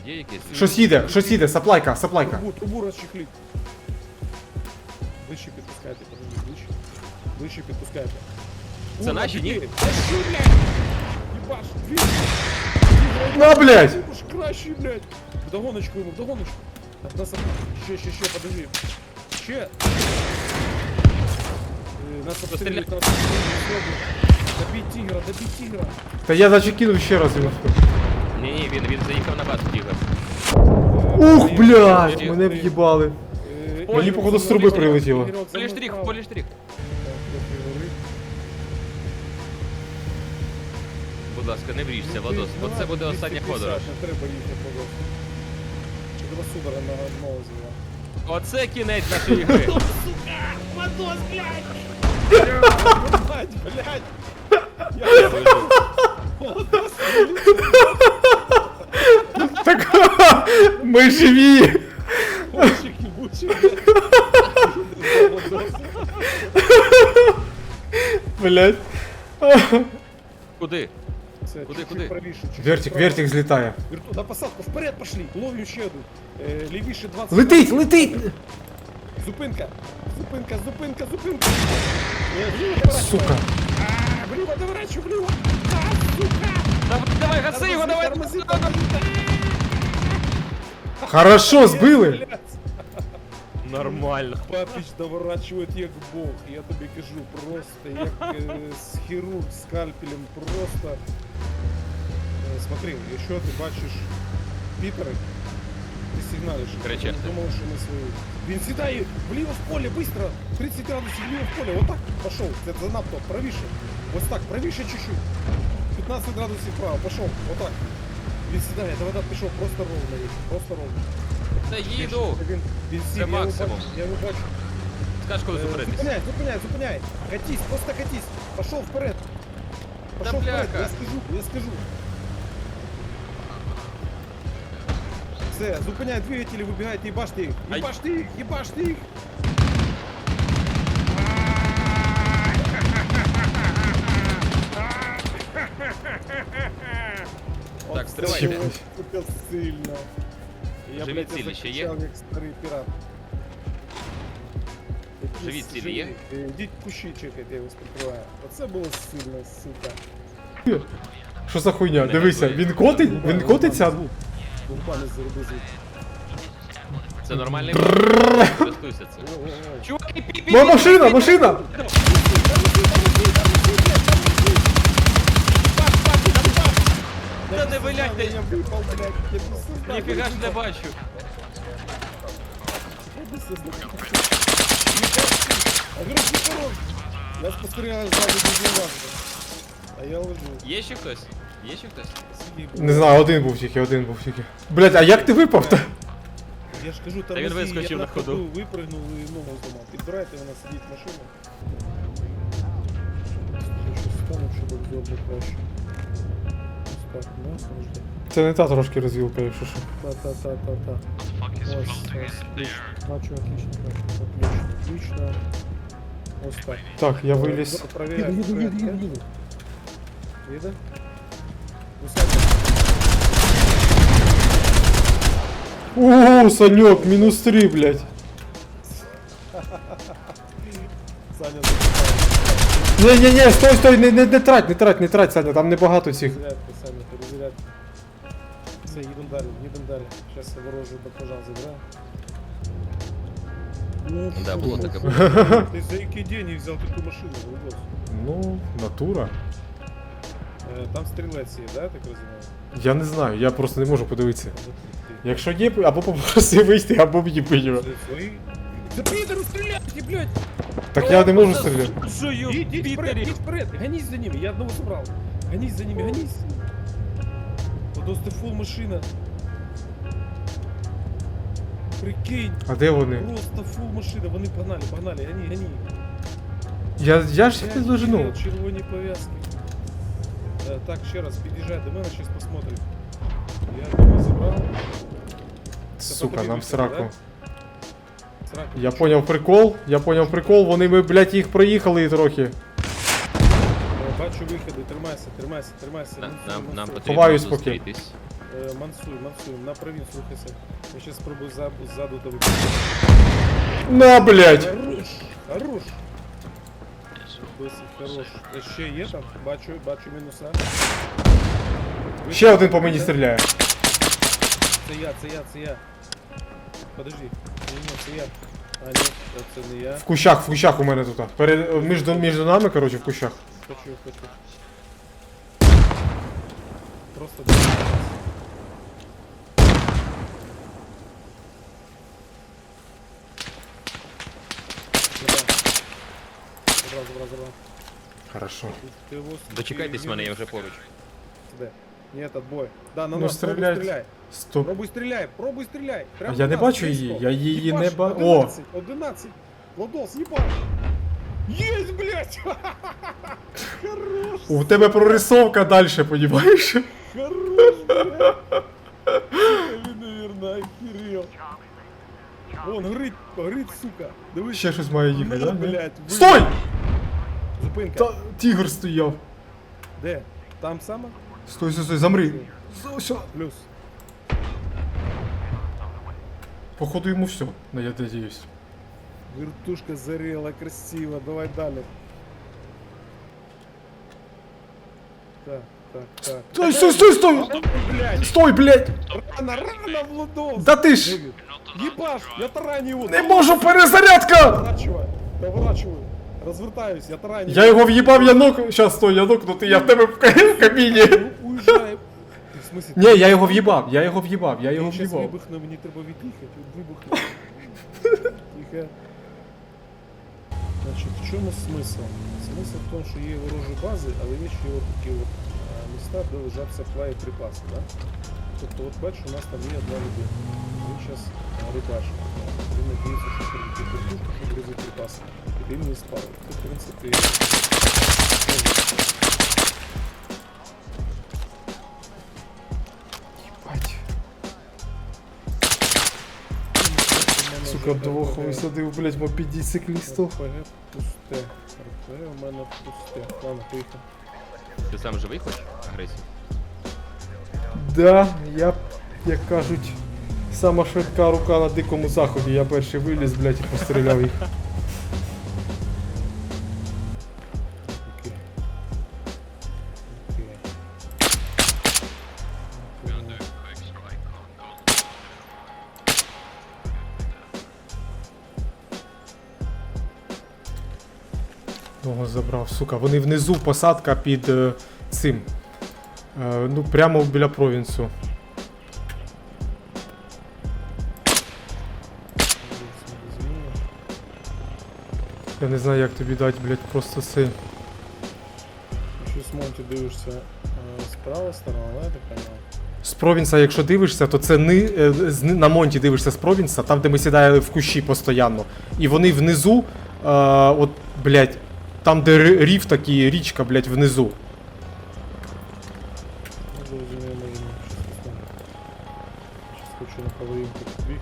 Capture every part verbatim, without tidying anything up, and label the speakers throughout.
Speaker 1: Є якесь?
Speaker 2: Щось їде, щось їде, саплайка, саплайка.
Speaker 3: Трубу, трубу розчехліть. Вище підпускайте, подожди, вище. Вище підпускайте.
Speaker 1: Це
Speaker 3: Ура,
Speaker 1: наші, ні?
Speaker 3: двері. Та що, блядь? Єбаш, двері.
Speaker 2: На, блядь!
Speaker 3: Уж краще, блядь. Вдогоночку йому, вдогоночку. Так, нас... Ще, ще, ще, подожди. Ще. Е, Нас обстрілюють, нас обстрілюють. Добіть тигра, добіть тигра.
Speaker 2: Та я наче кинув ще раз його.
Speaker 1: Ні, ні, він, він заїхав на базу, Тігр.
Speaker 2: Ух, блядь, мене в'їбали.
Speaker 3: Е,
Speaker 2: Мені, походу, з труби прилетіло.
Speaker 3: Ігорок, за
Speaker 1: Полі
Speaker 3: мною
Speaker 1: штрих,
Speaker 3: вправо.
Speaker 1: полі штрих.
Speaker 3: Так, трохи гори.
Speaker 1: Будь ласка, не вріжся, Владос, бо це буде остання подорож.
Speaker 3: Не треба їхати, Владос. Чи тебе судора на одного звела?
Speaker 1: Оце кінець нашої гри.
Speaker 3: Владос, блядь! Блядь, блядь!
Speaker 2: Так, ми живі!
Speaker 3: Мальчик ебучий,
Speaker 2: Блядь.
Speaker 1: Куди?
Speaker 3: Все,
Speaker 1: Куди,
Speaker 3: чуть-чуть
Speaker 1: куди?
Speaker 3: правіше, чуть-чуть
Speaker 2: Вертик,
Speaker 3: вправо.
Speaker 2: вертик злітає.
Speaker 3: Верту- На посадку, вперед пошли! Ловлю ще одну. Е, Лівіше двадцять.
Speaker 2: Летить, летить!
Speaker 3: Зупинка! Зупинка, зупинка, зупинка! Е, вліво доворачивай.
Speaker 2: Сука.
Speaker 3: А, вліво доворачивай, вліво! А, сука!
Speaker 1: Давай, давай, гаси його, давай!
Speaker 3: Тормози, тормози,
Speaker 2: Хорошо, збили!
Speaker 3: блядь.
Speaker 1: Нормально.
Speaker 3: Папіч доворачує як Бог, я тобі кажу, просто як е, з хірург скальпелем, просто. Е, смотри, якщо ти бачиш Пітери, ти сигналиш.
Speaker 1: Кричати.
Speaker 3: Я думав, що ми свої. Він сідає вліво в поле, быстро, тридцять градусів вліво в поле, отак, пошов, це занадто, правіше, ось так, правіше чуть-чуть, п'ятнадцять градусів вправо, пошов, отак. Він сідає, давай, давай, пішов, просто ровно, їх, просто ровно.
Speaker 1: Та їду.
Speaker 3: Він, він
Speaker 1: Це
Speaker 3: сів, я його
Speaker 1: максимум.
Speaker 3: бачу, я його бачу.
Speaker 1: Скаж, коли
Speaker 3: Е,
Speaker 1: зупинитись.
Speaker 3: Зупиняй, зупиняй, зупиняй. Катись, просто катись. Пошел вперед. Пошел
Speaker 1: Да
Speaker 3: вперед,
Speaker 1: бляха.
Speaker 3: я скажу, я скажу. Все, зупиняй двигатели, выбегайте, ебашьте их.
Speaker 1: Ай.
Speaker 3: Ебашьте их, ебашьте их.
Speaker 1: Так, стривай.
Speaker 3: Це було, сука, сильно. Я,
Speaker 1: Живі
Speaker 3: блядь, я
Speaker 1: цілі ще є?
Speaker 3: закричав, як старий пірат.
Speaker 1: Живі цілі є?
Speaker 3: Е, Йдіть кущі чекайте, я вас прикриваю. Оце було сильно, сука.
Speaker 2: Що за хуйня? Дивися, він котить, він котиться.
Speaker 3: Бумпани зароби звідти.
Speaker 1: Це нормальний бак. Користуйся цим.
Speaker 3: О-о-о.
Speaker 1: Чуваки, пі-пі-пі!
Speaker 2: Ма- машина, машина!
Speaker 1: Та не вилять,
Speaker 3: Я
Speaker 1: ти-
Speaker 3: випав, блядь, я без сознання.
Speaker 1: Ніфіга ж не бачу.
Speaker 3: Я без сознання. А вирус не порог. Я спостерігаю ззаду дуже важко. А я лежу.
Speaker 1: Є ще хтось? Є ще хтось?
Speaker 3: Сидів.
Speaker 2: Не знаю, один був тільки, один був тільки. Блять, а як ти випав-то?
Speaker 3: Я ж кажу, там
Speaker 1: він вискочив
Speaker 3: я
Speaker 1: на
Speaker 3: на
Speaker 1: ходу.
Speaker 3: ходу випрыгнув і ногу зламав. Підбирайте, вона сидить в машині. Я щось стану, щоб обзор краще. Ось так, ну, завжди.
Speaker 2: Це не та трошки розвілка, якщо що.
Speaker 3: Та-та-та-та-та. Ось, ось. Бачу, отлично, бачу, отлично. Отлично. Ось так.
Speaker 2: Так, я виліз.
Speaker 3: Обзор проверяю. Їду, їду, їду, їду. Їде? Усадьте.
Speaker 2: О, Санек, мінус три, блять.
Speaker 3: Саня запитає.
Speaker 2: Ні-ні-ні, стой, стой, не, не, не трать, не трать, не трать, Саня, там небагато цих.
Speaker 3: Перезарядка, Саня, перезарядка. Все, їдемо далі, їдемо далі. Зараз я ворожу баклажан забираю.
Speaker 1: Да, було таке.
Speaker 3: Ти за які деньги взяв таку машину, Голубос?
Speaker 2: Ну, натура.
Speaker 3: Е, Там стрілець є, да, я так розумію?
Speaker 2: Я не знаю, я просто не можу подивитися. Якщо є, або попроси вийти, або в'їби його.
Speaker 3: Це свої? За підеру стріляйте, блядь!
Speaker 2: Так я не можу стріляти.
Speaker 1: Жую,
Speaker 3: Їдь вперед,
Speaker 1: Пітері.
Speaker 3: їдь вперед, гонись за ними, я одного забрав. Гонись за ними, гонись. Просто фул машина. Прикинь,
Speaker 2: А де вони?
Speaker 3: просто фул машина, вони погнали, погнали, гони, гони.
Speaker 2: Я, я ж їх не дожену.
Speaker 3: Вперед, червоні пов'язки. Е, Так, ще раз, під'їжджай до мене, зараз посмотрим. Я одного забрав.
Speaker 2: Сука, нам в сраку.
Speaker 3: Сраку.
Speaker 2: Я поняв прикол, я поняв прикол, вони ми, блядь, їх проїхали трохи.
Speaker 3: Е, Бачу виходи, тримайся, тримайся, тримайся.
Speaker 1: Нам,
Speaker 3: Ну,
Speaker 1: нам,
Speaker 3: ну,
Speaker 1: нам
Speaker 3: ну,
Speaker 1: потрібно
Speaker 2: Ховаюсь поки.
Speaker 1: зустрітись.
Speaker 3: Е, мансуй, мансуй, на провінс рухайся. Я сейчас спробую за, ззаду тебе.
Speaker 2: На, блядь!
Speaker 3: Хорош, хорош. Досить хорош. Е, Ще є там? Бачу, бачу мінуса.
Speaker 2: Ще один по мені стріляє.
Speaker 3: Це я, це я, це я. Подожди. Ні, ні, це я. А, ні, це не я.
Speaker 2: В кущах, в кущах у мене тут. Перед, між, між нами, коротше, в кущах.
Speaker 3: Хочу, хочу. Просто забрав, забрав, забрав.
Speaker 2: Хорошо.
Speaker 3: Ти його
Speaker 1: Дочекайтесь мене, я вже поруч.
Speaker 3: Де? Ні, этот бой. Да, на
Speaker 2: Ну,
Speaker 3: нас, пробуй
Speaker 2: стріляють.
Speaker 3: стріляй.
Speaker 2: Стоп.
Speaker 3: Пробуй стріляй, пробуй стріляй.
Speaker 2: А
Speaker 3: Прямо
Speaker 2: я
Speaker 3: на
Speaker 2: не
Speaker 3: нас,
Speaker 2: бачу
Speaker 3: близько.
Speaker 2: її, я її не
Speaker 3: Їбаш,
Speaker 2: ба... О!
Speaker 3: одинадцять, одинадцять. Владос, їбаш. Єсть, блядь! Хорош,
Speaker 2: У тебе прорисовка далі, понімаєш?
Speaker 3: хорош, блядь. Він, наверно, охерел. Вон, горить, горить, сука. Дивись.
Speaker 2: Ще щось має їхати,
Speaker 3: На,
Speaker 2: да?
Speaker 3: блядь, ви-
Speaker 2: Стой!
Speaker 3: Зупинка.
Speaker 2: Та тігр стояв.
Speaker 3: Де? Там саме?
Speaker 2: Стой, стой, стой, замри. Все, все.
Speaker 3: Плюс.
Speaker 2: Походу йому все, ну, я надіюсь.
Speaker 3: Вертушка зарела, красиво. Давай далі. Так, так, так.
Speaker 2: Стой, стой, стой, стой!
Speaker 3: Блядь,
Speaker 2: Стой, блядь!
Speaker 3: рано, рано, Владос.
Speaker 2: Да ти ж!
Speaker 3: Дэвид, ебаш, я тараню его.
Speaker 2: Не можу, перезарядка!
Speaker 3: Поворачивай, поворачиваю. Развертаюсь, я тараню.
Speaker 2: Я його в'їбав, я ног... Щас, стой, я нокнутий, я в тебе в ка- в кабіні.
Speaker 3: Ну, уезжай. В смысле?
Speaker 2: Ні, я його в'їбав, я його в'їбав, я його
Speaker 3: Я сейчас
Speaker 2: в'їбав.
Speaker 3: вибухну, мені треба від'їхати. Вибухну. Тихо. Значить, в чому смисл? Смисл в тому, що є ворожі бази, але є ще от такі от а, міста, де лежаться боєприпаси, да? Тобто, от бачиш, у нас там є одна людина. Він зараз рибачить. Він надіється, що прилетить вертушку, щоб різати припаси. І він не спав. Це, в принципі,
Speaker 2: Бать. Сука, двох висадив, блядь, мопеді циклістів.
Speaker 3: РПГ пусте. РПГ у мене пусте. Ладно, поїхав.
Speaker 1: Ти сам живий хочеш агресію?
Speaker 2: Да, я, як кажуть, сама швидка рука на дикому заході. Я перший виліз, блядь, і постріляв їх.
Speaker 3: Окей. Окей.
Speaker 2: Того забрав, сука. Вони внизу посадка під е, цим. Е, ну, прямо біля провінсу. Я не знаю, як тобі дати, блядь, просто це.
Speaker 3: Ще з Монті дивишся е, справа сторона, да, я так понимаю?
Speaker 2: З провінса, якщо дивишся, то це ни, е, з, ни- на монті дивишся з провінса, там, де ми сідаємо в кущі постійно. І вони внизу, е, от, блядь, там, де ри- рів такий, річка, блядь, внизу.
Speaker 3: Ну, зрозуміло, може, щось там. Щас хочу на половинку побіг.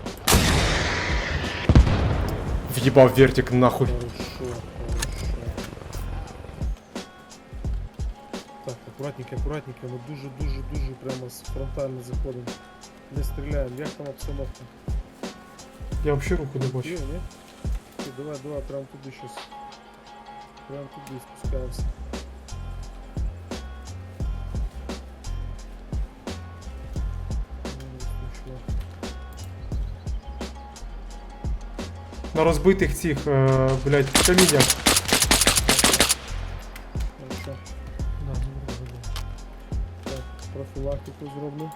Speaker 2: В'їбав вертик нахуй.
Speaker 3: Хорошо, хорошо. Так, аккуратненько, аккуратненько, ми дуже-дуже-дуже прямо з фронтально заходимо. Не стріляємо, як там обстановка?
Speaker 2: Я взагалі руку не
Speaker 3: Є,
Speaker 2: бачу.
Speaker 3: ні? Окей, давай, давай, прямо туди щас. Прямо туди спускаємося. Ну, нічого.
Speaker 2: На розбитих цих, е, блядь, каміннях.
Speaker 3: Хорошо. Так, профілактику зроблю.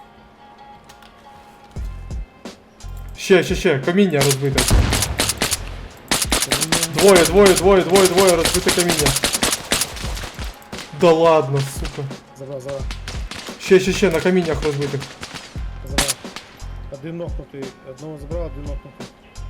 Speaker 2: Ще, ще, ще, каміння розбите.
Speaker 3: Каміння.
Speaker 2: Двоє, двоє, двоє, двоє, двоє, розбите каміння. Да ладно, сука.
Speaker 3: Забрав, забрав,
Speaker 2: Ще, ще, ще, на каміннях розбитих.
Speaker 3: забрав. Один нокнутий, одного забрав, один нокнутий.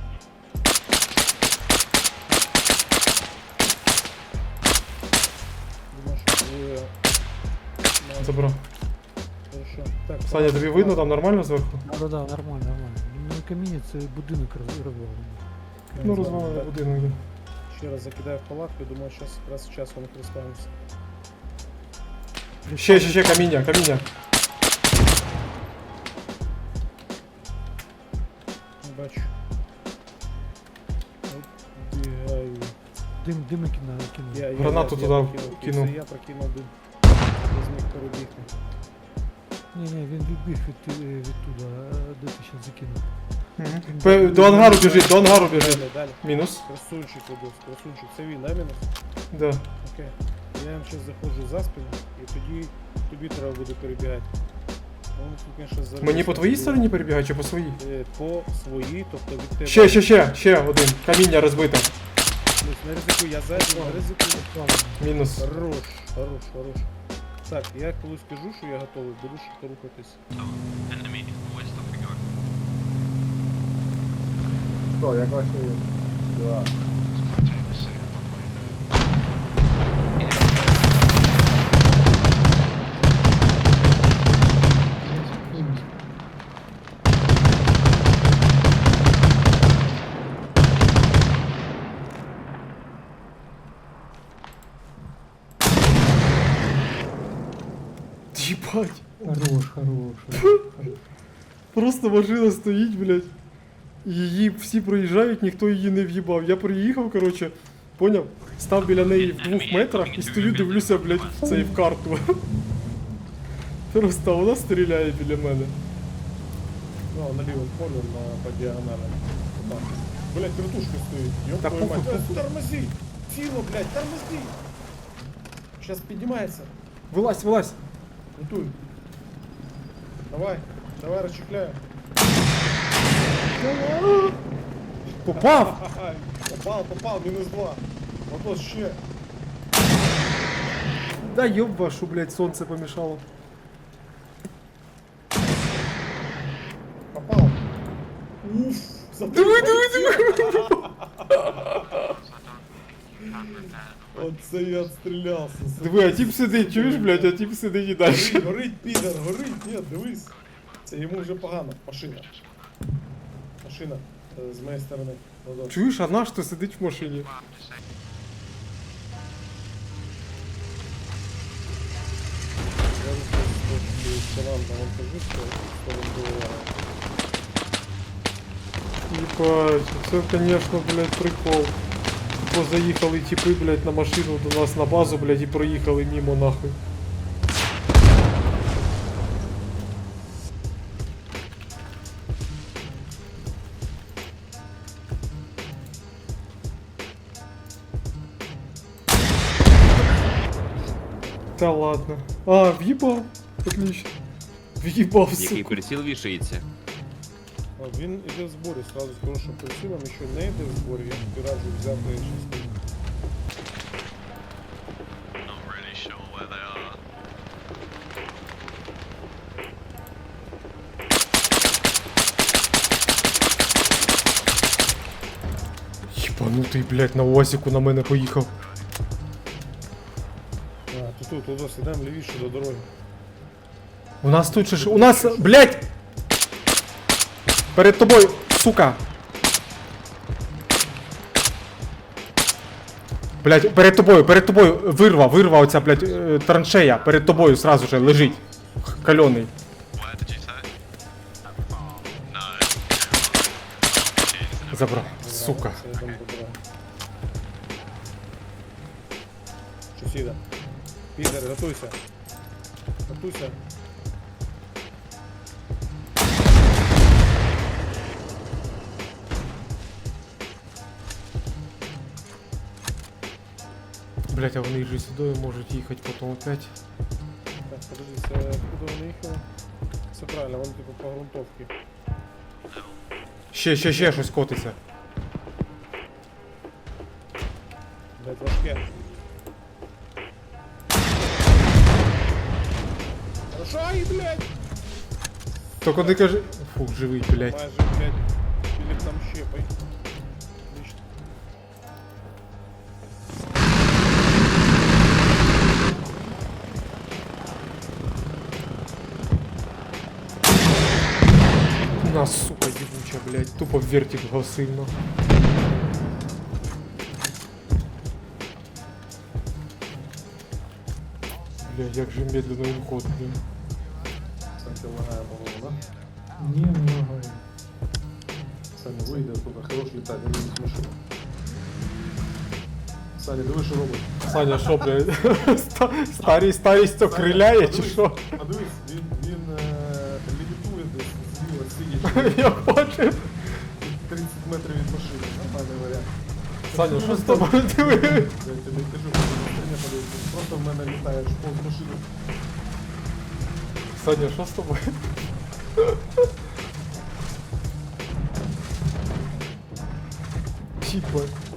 Speaker 3: Думаю, що двоє. На-
Speaker 2: Забрав.
Speaker 3: Хорошо. Так,
Speaker 2: Саня, тобі видно там нормально зверху?
Speaker 4: Да, да, да, нормально, нормально. Ну, не каміння, це будинок роз- розвалений.
Speaker 2: Ну, розвалений будинок. да.
Speaker 3: Ще раз закидаю в палатку, думаю, зараз якраз час вони розпанимося.
Speaker 2: Ще, ще, ще, каміння, каміння.
Speaker 4: дими кина, кинув.
Speaker 3: Я, я,
Speaker 2: Гранату
Speaker 3: я,
Speaker 2: туди
Speaker 3: я прокинув.
Speaker 2: кинув.
Speaker 3: Це я прокинув дим. Я зміг перебігти.
Speaker 4: Ні, ні, він відбіг від, е, відтуда, а де ти ще закинув.
Speaker 2: Пе- До ангару біжить, до ангару біжить.
Speaker 3: Далі, далі.
Speaker 2: Мінус.
Speaker 3: Красунчик, Водос, красунчик. Це він, да, мінус?
Speaker 2: Да.
Speaker 3: Окей. Я їм зараз заходжу за спину, і тоді тобі треба буде перебігати. Ну, тут, конечно, зараз
Speaker 2: Мені по твоїй стороні перебігає чи по своїй?
Speaker 3: Е, По своїй, тобто від тебе.
Speaker 2: Ще, ще, ще, ще один. Каміння розбите.
Speaker 3: Плюс, не ризикуй, я ззаді, не ризикуй.
Speaker 2: Мінус.
Speaker 3: Хорош, хорош, хорош. Так, я коли скажу, що я готовий, буду швидко рухатись.
Speaker 5: Що, як ваші дела?
Speaker 2: Єбать.
Speaker 4: Хорош, хорош. хорош.
Speaker 2: Просто машина стоїть, блядь. І її всі проїжджають, ніхто її не в'їбав. Я приїхав, коротше, поняв? Став біля неї в двох метрах і стою, дивлюся, блядь, в цей в карту. Просто вона стріляє біля мене.
Speaker 3: Ну, на лівому полі, на, по діагоналі. Отак. Блять, вертушка стоїть. Ёб
Speaker 2: Та
Speaker 3: твою
Speaker 2: похуй,
Speaker 3: мать.
Speaker 2: похуй.
Speaker 3: Е, Тормози! Силу, блядь, тормози! Сейчас піднімається.
Speaker 2: Вилазь, вилазь.
Speaker 3: Готуй. Давай, давай, розчехляю.
Speaker 2: Попав!
Speaker 3: Ага, попав, попав, мінус два. Вопрос ще.
Speaker 2: Да ёб вашу, блядь, сонце помішало.
Speaker 3: Попав. Уф,
Speaker 2: Диви, диви, диви!
Speaker 3: Оце я отстрілявся.
Speaker 2: Диви, а тип сидить, чуєш, блядь, а тип сидить і далі.
Speaker 3: Горить, горить, підер, горить, ні, дивись. Це йому вже погано. Машина. Машина. е, З моєї сторони. Водос.
Speaker 2: Чуєш, а наш то сидить в машині?
Speaker 3: Я просто команда вам кажу, що що він доливає.
Speaker 2: Ебать, це, конечно, блядь, прикол. Позаїхали типи, блядь, на машину до нас на базу, блядь, і проїхали мимо нахуй. Та ладно. А, въебал. Отлично. Въебал,
Speaker 1: Який
Speaker 2: сука.
Speaker 1: приціл вішається.
Speaker 3: А, Він іде в зборі, сразу з хорошим прицілом, якщо не йде в зборі, я тобі раджу взяти частину.
Speaker 6: Not really sure where they are.
Speaker 2: Єбанутий, блядь, на УАЗику на мене поїхав.
Speaker 3: А, тут, тут, тут, ідемо лівіше до дороги.
Speaker 2: У нас тут же ж... У нас, блядь! Перед тобою, сука! Блядь, перед тобою, перед тобою, вирва, вирва оця, блядь, е, траншея, перед тобою сразу же лежить. Кальоний.
Speaker 6: Where did you say? No. Jeez,
Speaker 2: Забрав, сука.
Speaker 3: Це йдемо до дороги. Щось їде. Підер, готуйся. Готуйся.
Speaker 2: Блядь, а вони же сюди можуть їхати потім опять.
Speaker 3: Так, подожди, це куди вони їхали? Все правильно, вони типу по грунтовці.
Speaker 2: Ще, ще, ще щось котиться.
Speaker 3: Блять, важке. Хорошо, ай, блядь!
Speaker 2: Тільки не кажи... Фу, живий, блядь.
Speaker 3: Майже, блядь, Філіп там щепай. Отлично.
Speaker 2: На, сука, ебуча, блядь. Тупо в вертик сильно. Блядь, як же медленно він ходить, блін.
Speaker 3: Саня лагає, по-моєму, да?
Speaker 4: Ні, не лагає.
Speaker 3: Саня вийде, тут хорош літати, він з машини.
Speaker 5: Саня, диви, що робить.
Speaker 2: Саня, що, блядь? ста- Старість, старість окриляє чи
Speaker 5: Подивись,
Speaker 2: що?
Speaker 5: Подивись, він, він е, лівітує десь зліва, сидячи
Speaker 2: Я бачив.
Speaker 5: тридцять метрів від машини. Нормальний варіант.
Speaker 2: Саня, що з тобою диви?
Speaker 5: Я тобі кажу, не подивись. Просто в мене літаєш повз машину.
Speaker 2: Саня, що з тобою? Їбать.